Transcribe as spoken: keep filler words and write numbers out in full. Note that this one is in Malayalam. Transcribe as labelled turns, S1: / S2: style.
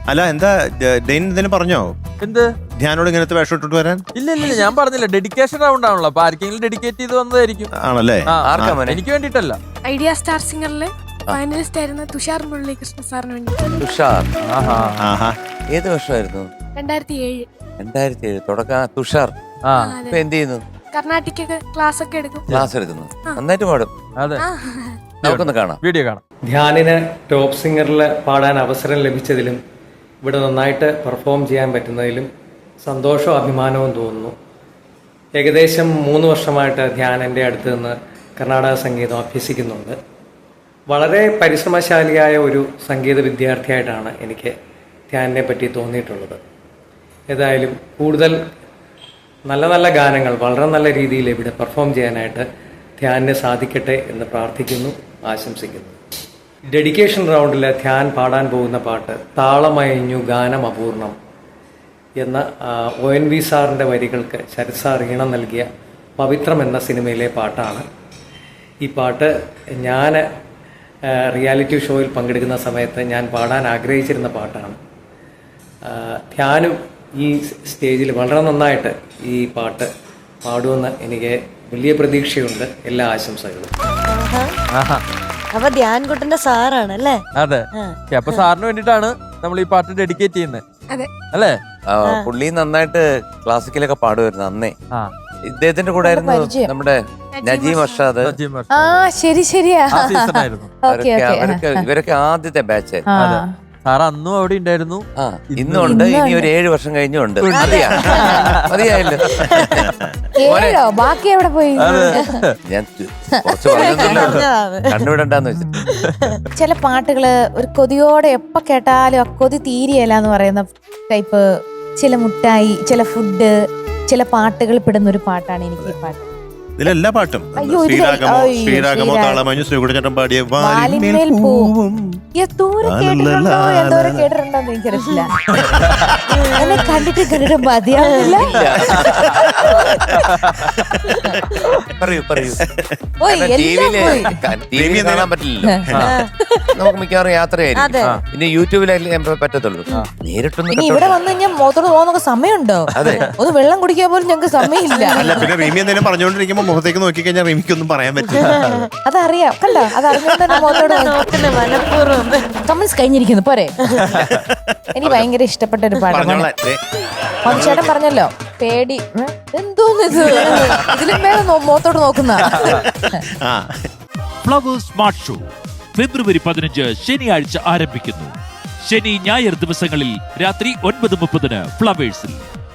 S1: അല്ല എന്താ ഡെയിൻ എന്തിനു പറഞ്ഞോ?
S2: എന്ത്
S1: ധ്യാനോട് ഇങ്ങനത്തെ വേഷം ഇട്ടിട്ട് വരാൻ?
S2: ഇല്ല ഇല്ല ഞാൻ പറഞ്ഞില്ല, ഡെഡിക്കേഷൻ റൗണ്ട് ആണല്ലോ, അപ്പൊ ആർക്കെങ്കിലും ഡെഡിക്കേറ്റ് ചെയ്ത് വന്നതായിരിക്കും.
S1: ആണല്ലേ?
S2: എനിക്ക് വേണ്ടിട്ടല്ല.
S3: ഐഡിയ സ്റ്റാർ സിംഗറില് ഫൈനലിസ്റ്റ് ആയിരുന്ന തുഷാർ മുരളീകൃഷ്ണ സാറിന് വേണ്ടി.
S4: തുഷാർ
S1: ആഹാ.
S4: ഏത് വർഷമായിരുന്നു?
S3: രണ്ടായിരത്തി ഏഴ്
S4: രണ്ടായിരത്തി ഏഴ് തുടക്കം. തുഷാർ ഇപ്പൊ എന്ത് ചെയ്യുന്നു?
S3: കർണാട്ടിക്കൊക്കെ ക്ലാസ് ഒക്കെ എടുക്കും.
S4: ക്ലാസ് എടുക്കുന്നു, നന്നായിട്ട് പാടും.
S2: അതെ,
S4: നമുക്കൊന്ന് കാണാം,
S2: വീഡിയോ കാണാം.
S5: ധ്യാനിന് ടോപ്പ് സിംഗറിൽ പാടാൻ അവസരം ലഭിച്ചതിലും ഇവിടെ നന്നായിട്ട് പെർഫോം ചെയ്യാൻ പറ്റുന്നതിലും സന്തോഷവും അഭിമാനവും തോന്നുന്നു. ഏകദേശം മൂന്ന് വർഷമായിട്ട് ധ്യാൻ എൻ്റെ അടുത്ത് നിന്ന് കർണാടക സംഗീതം അഭ്യസിക്കുന്നുണ്ട്. വളരെ പരിശ്രമശാലിയായ ഒരു സംഗീത വിദ്യാർത്ഥിയായിട്ടാണ് എനിക്ക് ധ്യാനിനെ പറ്റി തോന്നിയിട്ടുള്ളത്. ഏതായാലും കൂടുതൽ നല്ല നല്ല ഗാനങ്ങൾ വളരെ നല്ല രീതിയിൽ ഇവിടെ പെർഫോം ചെയ്യാനായിട്ട് ധ്യാനിന് സാധിക്കട്ടെ എന്ന് പ്രാർത്ഥിക്കുന്നു, ആശംസിക്കുന്നു. ഡെഡിക്കേഷൻ റൗണ്ടിൽ ധ്യാൻ പാടാൻ പോകുന്ന പാട്ട് താളമയഞ്ഞു ഗാനം അപൂർണം എന്ന ഒ എൻ വി സാറിൻ്റെ വരികൾക്ക് ശരത് സാർ ഈണം നൽകിയ പവിത്രം എന്ന സിനിമയിലെ പാട്ടാണ്. ഈ പാട്ട് ഞാൻ റിയാലിറ്റി ഷോയിൽ പങ്കെടുക്കുന്ന സമയത്ത് ഞാൻ പാടാൻ ആഗ്രഹിച്ചിരുന്ന പാട്ടാണ്. ധ്യാനും ഈ സ്റ്റേജിൽ വളരെ നന്നായിട്ട് ഈ പാട്ട് പാടുമെന്ന് എനിക്ക് വലിയ പ്രതീക്ഷയുണ്ട്. എല്ലാ ആശംസകളും.
S6: അപ്പൊ ധ്യാൻകുട്ടന്റെ സാറാണ് അല്ലേ?
S2: അതെ, അപ്പൊ സാറിന് വേണ്ടിട്ടാണ് നമ്മൾ ഈ പാട്ട് ഡെഡിക്കേറ്റ് ചെയ്യുന്നത്.
S3: അതെ
S2: അല്ലേ?
S4: പുള്ളി നന്നായിട്ട് ക്ലാസിക്കലൊക്കെ പാടുമായിരുന്നു അന്നേ.
S2: ആ,
S4: ഇദ്ദേഹത്തിന്റെ കൂടെ ആയിരുന്നു നമ്മുടെ നജീം അർഷാദ്.
S6: ആ ശരി ശരിയാ.
S4: അവരൊക്കെ ഇവരൊക്കെ ആദ്യത്തെ ബാച്ച്.
S2: സാർ അന്നും അവിടെ ഉണ്ടായിരുന്നു.
S4: ആ ഇന്നും ഉണ്ട്, ഇനി ഒരു ഏഴു വർഷം കഴിഞ്ഞും ഉണ്ട്. മതിയായല്ലോ.
S6: ബാക്കി എവിടെ പോയി?
S4: ഞാൻ കുറച്ച് പറഞ്ഞില്ല, കണ്ടുവിടണ്ടെന്ന് വെച്ചിട്ട്.
S6: ചില പാട്ടുകള് ഒരു കൊതിയോടെ എപ്പോ കേട്ടാലും ആ കൊതി തീരെയല്ല എന്ന് പറയുന്ന ടൈപ്പ് ചില മുട്ടായി, ചില ഫുഡ്, ചില പാട്ടുകൾ പെടുന്ന ഒരു പാട്ടാണ് എനിക്ക് ഈ പാട്ട്.
S1: ഇതിലെല്ലാ പാട്ടും
S6: അയ്യോ, ഇതിലെ-
S1: ശ്രീരാഗമോ
S6: അയ്യോ,
S1: ശ്രീരാഗമോ
S6: ശ്രീരാഗം.
S1: താളമഞ്ഞു ശ്രീകുടചേട്ടൻ പാടിയ
S6: വാലിന്മേൽ
S1: വാലിന്മേൽ
S6: പൂവും.
S1: പൂവും.
S6: എന്തോരം കേട്ടിട്ടുണ്ടോ എന്തോരം കേട്ടിട്ടുണ്ടോ എന്ന് എനിക്കറിയില്ല. എന്നെ കണ്ടിട്ട് കണ്ടിട്ട് മതിയാവില്ല.
S4: പറയൂ പറയൂ.
S6: പോയി, എല്ലാം
S4: ടിവിയില്
S6: പോയി.
S4: ടിവി കാണാൻ പറ്റില്ലല്ലോ, നമുക്ക് മിക്കവാറും യാത്രയായിരിക്കും. പിന്നെ യൂട്യൂബിലല്ലേ പറ്റത്തുള്ളൂ. നേരിട്ടൊന്നും
S6: ഇനി ഇവിടെ വന്നു കഴിഞ്ഞാൽ മുഖത്തോട് പോകുന്ന സമയമുണ്ടോ? ഒന്ന് വെള്ളം കുടിക്കാൻ പോലും ഞങ്ങൾക്ക് സമയമില്ല.
S1: അല്ല പിന്നെ റീമി എന്തെങ്കിലും പറഞ്ഞുകൊണ്ടിരിക്കുമ്പോ മുഖത്തേക്ക് നോക്കി കഴിഞ്ഞാൽ റീമിക്കൊന്നും പറയാൻ പറ്റില്ല.
S6: അതറിയാം, കണ്ടോ? അതറിഞ്ഞോണ്ട് തന്നെ മുഖത്തോട് കമന്റ്സ് കഴിഞ്ഞിരിക്കുന്നു പോരെ. എനിക്ക് ഭയങ്കര ഇഷ്ടപ്പെട്ട ഒരു പാട്ടാണ്. ചേട്ടൻ പറഞ്ഞല്ലോ പേടി എന്തോന്ന് ഇത്, ഇതിലും വേണം മുഖത്തോട്ട് നോക്കുന്ന.
S7: ഫ്ലവേഴ്സ് സ്മാർട്ട് ഷോ ഫെബ്രുവരി പതിനഞ്ച് ശനിയാഴ്ച ആരംഭിക്കുന്നു. ശനി ഞായർ ദിവസങ്ങളിൽ രാത്രി ഒൻപത് മുപ്പതിന് ഫ്ലവേഴ്സിൽ.